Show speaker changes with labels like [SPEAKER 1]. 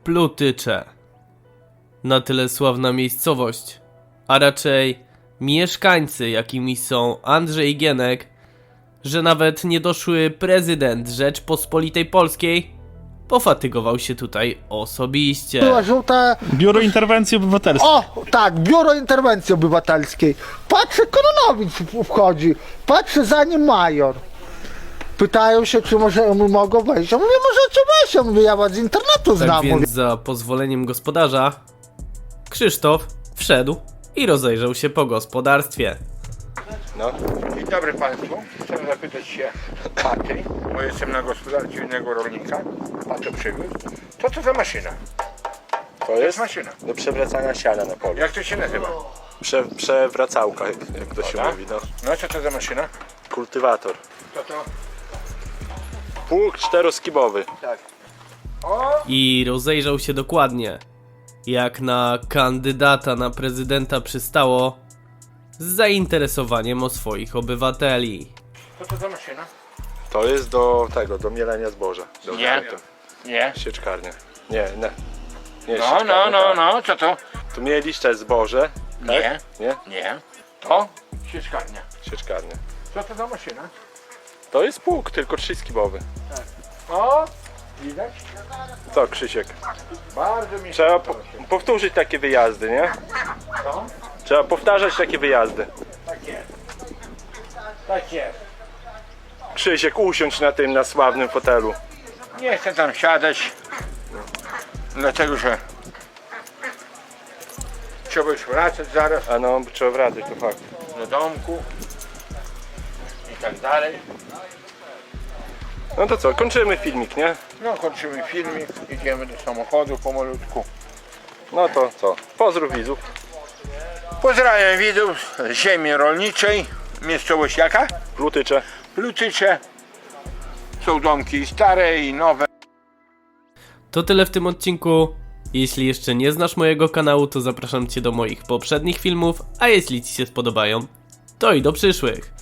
[SPEAKER 1] Plutycze. Na tyle sławna miejscowość, a raczej mieszkańcy, jakimi są Andrzej Gienek, że nawet niedoszły prezydent Rzeczpospolitej Polskiej pofatygował się tutaj osobiście.
[SPEAKER 2] Była żółta...
[SPEAKER 3] Biuro Interwencji Obywatelskiej.
[SPEAKER 2] O, tak, Biuro Interwencji Obywatelskiej. Patrzę, Kononowicz wchodzi. Patrzę, za nim major. Pytają się, czy mogą wejść. Ja mówię, możecie wejść. Ja mówię, ja was z internetu znam.
[SPEAKER 1] Tak
[SPEAKER 2] Mówię.
[SPEAKER 1] więc za pozwoleniem gospodarza Krzysztof wszedł i rozejrzał się po gospodarstwie.
[SPEAKER 4] No. Dzień dobry Państwu. Chcę zapytać się Paty, bo jestem na gospodarce innego rolnika. Pato przywiózł. Co za maszyna?
[SPEAKER 5] To jest
[SPEAKER 4] maszyna.
[SPEAKER 5] do przewracania siana na polu.
[SPEAKER 4] Jak to się nazywa?
[SPEAKER 5] Przewracałka, jak to się
[SPEAKER 4] Tak?
[SPEAKER 5] mówi, no.
[SPEAKER 4] No co to za maszyna?
[SPEAKER 5] Kultywator.
[SPEAKER 4] To.
[SPEAKER 5] Pług czteroskibowy.
[SPEAKER 4] Tak. O!
[SPEAKER 1] I rozejrzał się dokładnie, jak na kandydata na prezydenta przystało, z zainteresowaniem o swoich obywateli.
[SPEAKER 4] Co to za maszyna?
[SPEAKER 5] To jest do tego, do mielenia zboża. Do
[SPEAKER 4] Nie. Nie.
[SPEAKER 5] Sieczkarnia. Nie. Nie,
[SPEAKER 4] No,
[SPEAKER 5] sieczkarnia, tak.
[SPEAKER 4] co to?
[SPEAKER 5] Tu mieliście zboże.
[SPEAKER 4] Nie.
[SPEAKER 5] Tak? Nie?
[SPEAKER 4] Nie. To? Sieczkarnia.
[SPEAKER 5] Sieczkarnia.
[SPEAKER 4] Co to za maszyna?
[SPEAKER 5] To jest pług, tylko trzyskibowy.
[SPEAKER 4] O! Widać?
[SPEAKER 5] Co, Krzysiek?
[SPEAKER 4] Bardzo mi się
[SPEAKER 5] Trzeba
[SPEAKER 4] podoba.
[SPEAKER 5] powtórzyć takie wyjazdy, nie?
[SPEAKER 4] No,
[SPEAKER 5] Trzeba powtarzać takie wyjazdy.
[SPEAKER 4] tak jest. Tak jest.
[SPEAKER 5] Krzysiek, usiądź na sławnym fotelu.
[SPEAKER 4] Nie chcę tam siadać. Dlatego, że trzeba już wracać zaraz
[SPEAKER 5] A no, trzeba wracać, to fakt.
[SPEAKER 4] do domku i tak dalej.
[SPEAKER 5] No to co, kończymy filmik, nie?
[SPEAKER 4] No, kończymy filmik, idziemy do samochodu pomalutku.
[SPEAKER 5] No to co, pozdrów widzów.
[SPEAKER 4] Pozdrawiam widzów z ziemi rolniczej. Miejscowość jaka?
[SPEAKER 5] Plutycze.
[SPEAKER 4] Plutycze. Są domki stare i nowe.
[SPEAKER 1] To tyle w tym odcinku. Jeśli jeszcze nie znasz mojego kanału, to zapraszam Cię do moich poprzednich filmów, a jeśli Ci się spodobają, to i do przyszłych.